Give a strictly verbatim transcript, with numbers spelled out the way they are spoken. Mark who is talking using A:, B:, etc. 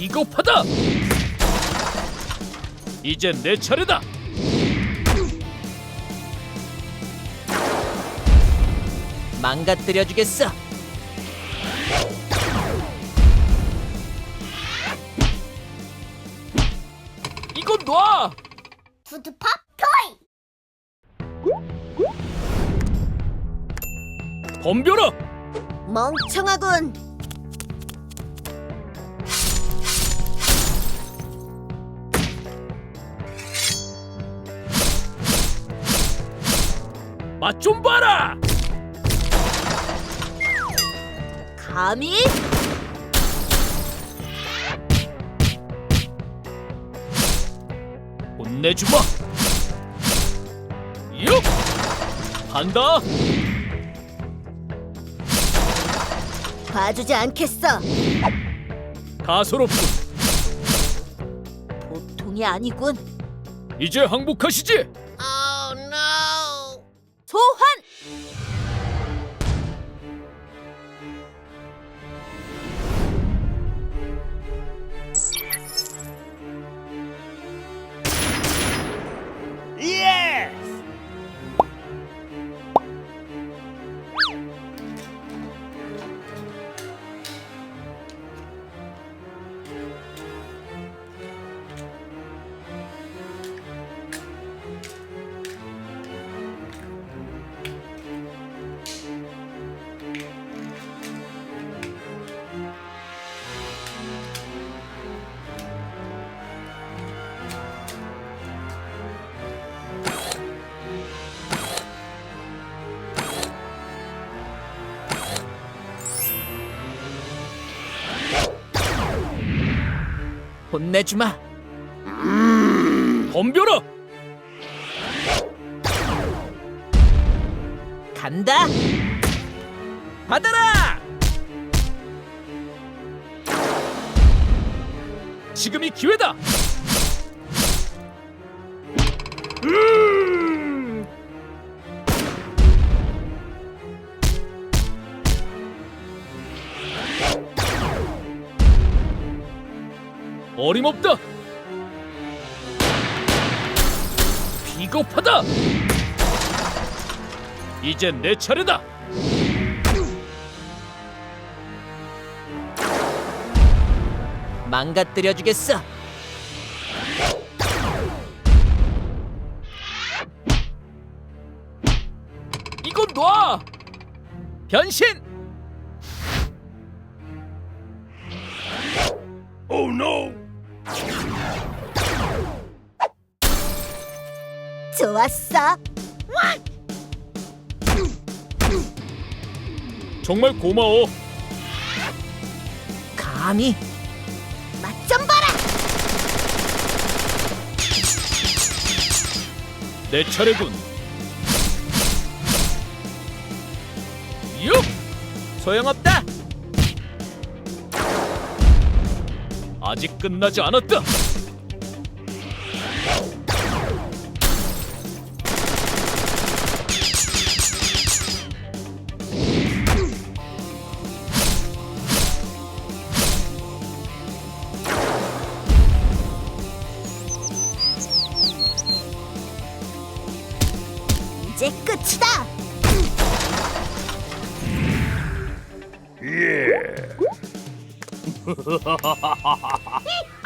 A: 비겁하다. 이젠 내 차례다.
B: 망가뜨려 주겠어.
A: 이건 놔.
C: 푸드팝 토이.
A: 덤벼라.
C: 멍청하군.
A: 맛 좀 봐라.
C: 감히?
A: 혼내주마. 육. 간다.
C: 봐주지 않겠어.
A: 가소롭군.
C: 보통이 아니군.
A: 이제 항복하시지.
C: Oh no. 소환.
A: 예스.
B: 혼내주마.
A: 덤벼라.
B: 간다. 받아라.
A: 지금이 기회다. 음! 어림없다. 비겁하다. 이젠 내 차례다.
B: 망가뜨려 주겠어.
A: 이건 놔. 변신. Oh no.
C: 좋았어.
A: 정말 고마워.
B: 감히?
C: 맛 좀 봐라.
A: 내 차례군. 육.
B: 소용없다.
A: 아직 끝나지 않았다.
C: 이제 끝이다.
A: 예.